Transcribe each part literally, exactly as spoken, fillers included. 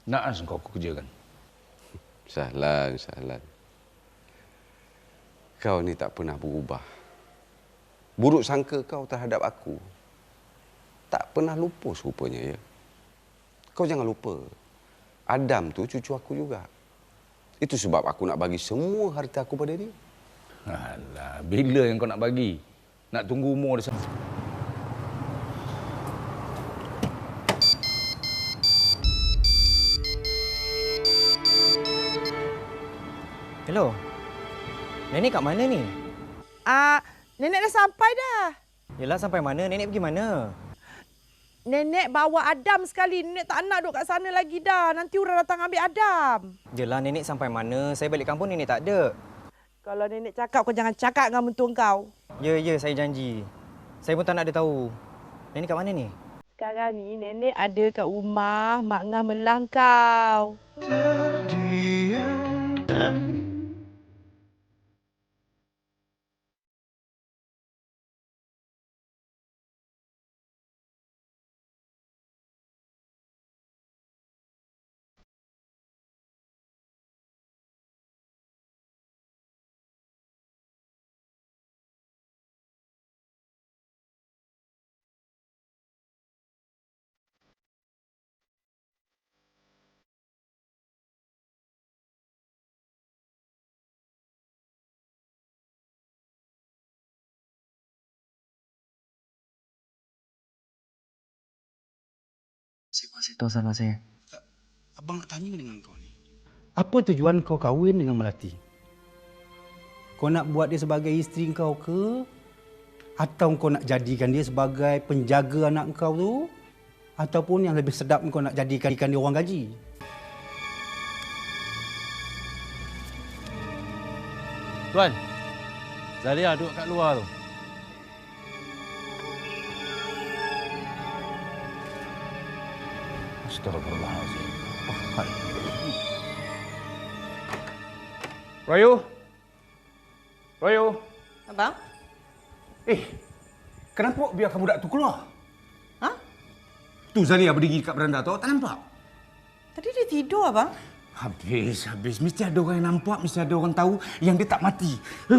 Naas kau aku kerjakan. Sahlan, Sahlan. Kau ni tak pernah berubah. Buruk sangka kau terhadap aku tak pernah lupus rupanya, ya. Kau jangan lupa, Adam tu cucu aku juga. Itu sebab aku nak bagi semua harta aku pada dia. Alah, bila yang kau nak bagi? Nak tunggu umur dia sampai. Hello. Nenek kat mana ni? Ah, nenek dah sampai dah. Yelah, sampai mana? Nenek pergi mana? Nenek bawa Adam sekali. Nenek tak nak duduk kat sana lagi dah. Nanti orang datang ambil Adam. Yelah, nenek sampai mana? Saya balik kampung nenek tak ada. Kalau nenek cakap, kau jangan cakap dengan mentua kau. Ya, ya, saya janji. Saya pun tak nak dia tahu. Nenek kat mana ni? Sekarang ni nenek ada kat rumah Mak Ngah Melang kau. Saya masih tahu salah saya. Abang nak tanya dengan kau ni. Apa tujuan kau kahwin dengan Melati? Kau nak buat dia sebagai isteri kau ke? Atau kau nak jadikan dia sebagai penjaga anak kau tu? Ataupun yang lebih sedap kau nak jadikan dia orang gaji? Tuan, Zalia duduk kat luar tu. Astagfirullahaladzim. Royo? Royo? Abang? Eh, kenapa biarkan budak tu keluar? Ha? Tu Zalia berdiri kat beranda tu, tak nampak? Tadi dia tidur, abang. Habis, habis. Mesti ada orang yang nampak, mesti ada orang tahu yang dia tak mati.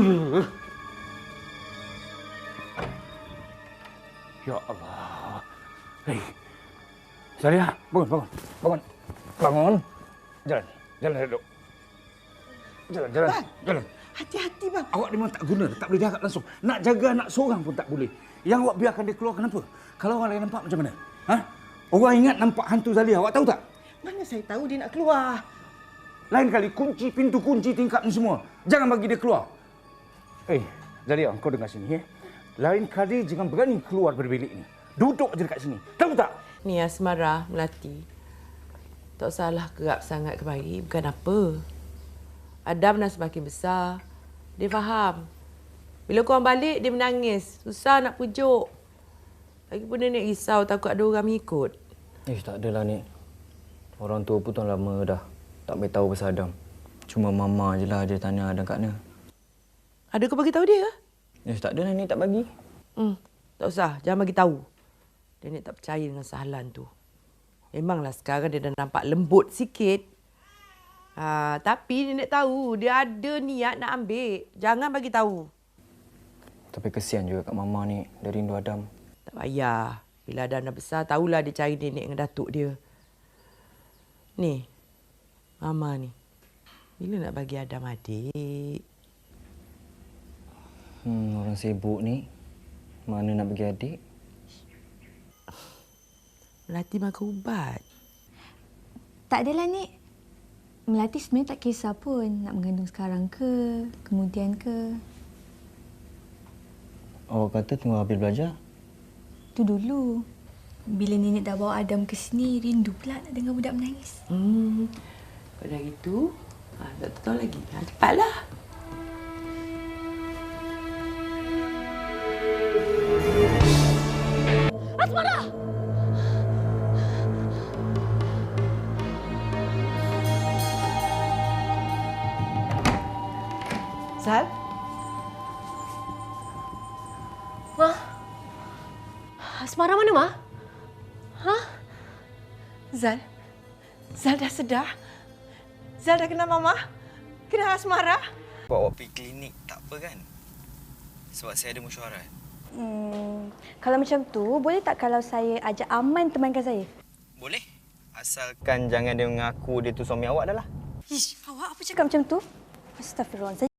Ya Allah. Hei. Zalia, bangun, bangun. Bangun. Bangun. Jalan. Jalan duduk. Jalan, jalan. Bang. Jalan. Hati-hati, bang. Awak memang tak guna, tak boleh jaga langsung. Nak jaga anak seorang pun tak boleh. Yang awak biarkan dia keluar kenapa? Kalau orang lain nampak macam mana? Ha? Orang ingat nampak hantu Zalia, awak tahu tak? Mana saya tahu dia nak keluar. Lain kali kunci pintu kunci tingkap ni semua. Jangan bagi dia keluar. Eh, Zalia, kau dengar sini, ya. Lain kali jangan berani keluar dari bilik ni. Duduk je dekat sini. Tahu tak? Ni Asmara, Melati. Tak salah kerap sangat kemari, bukan apa. Adam dah semakin besar. Dia faham. Bila korang balik, dia menangis. Susah nak pujuk. Lagipun nenek risau takut ada orang mengikut. Eh, tak adalah, Nek. Orang tua pun tuan lama dah tak beritahu pasal Adam. Cuma Mama je lah dia tanya Adam kat mana. Ada kau bagi tahu dia ke? Eh, tak adalah, Nek, tak bagi. Hmm, tak usah. Jangan bagi tahu. Nenek tak percaya dengan Sahlan tu. Memanglah sekarang dia dah nampak lembut sikit. Ha, tapi nenek tahu dia ada niat nak ambil. Jangan bagi tahu. Tapi kesian juga kat Mama ni. Dia rindu Adam. Tak payah. Bila Adam dah besar, tahulah dia cari nenek dengan datuk dia. Ni, Mama ni. Bila nak bagi Adam adik? Hmm, orang sibuk ni. Mana nak bagi adik? Melati makan ubat. Tak adalah, Nek. Melati sebenarnya tak kisah pun nak mengandung sekarang ke, kemudian ke. Awak kata tunggu habis belajar? Tu dulu. Bila nenek dah bawa Adam ke sini, rindu pula nak dengar budak menangis. Hmm, pada itu, ha, tak tahu lagi. Ha, cepatlah. Asmara! Zal? Ma? Asmara mana, Ma? Ha? Zal? Zal dah sedar? Zal dah kenal Mama? Kenal Asmara? Bawa pergi klinik tak apa kan? Sebab saya ada mesyuarat. Hmm, kalau macam tu, boleh tak kalau saya ajak Aman temankan saya? Boleh. Asalkan jangan dia mengaku dia tu suami awak dah lah. Ish, awak apa cakap macam tu? Astagfirullah.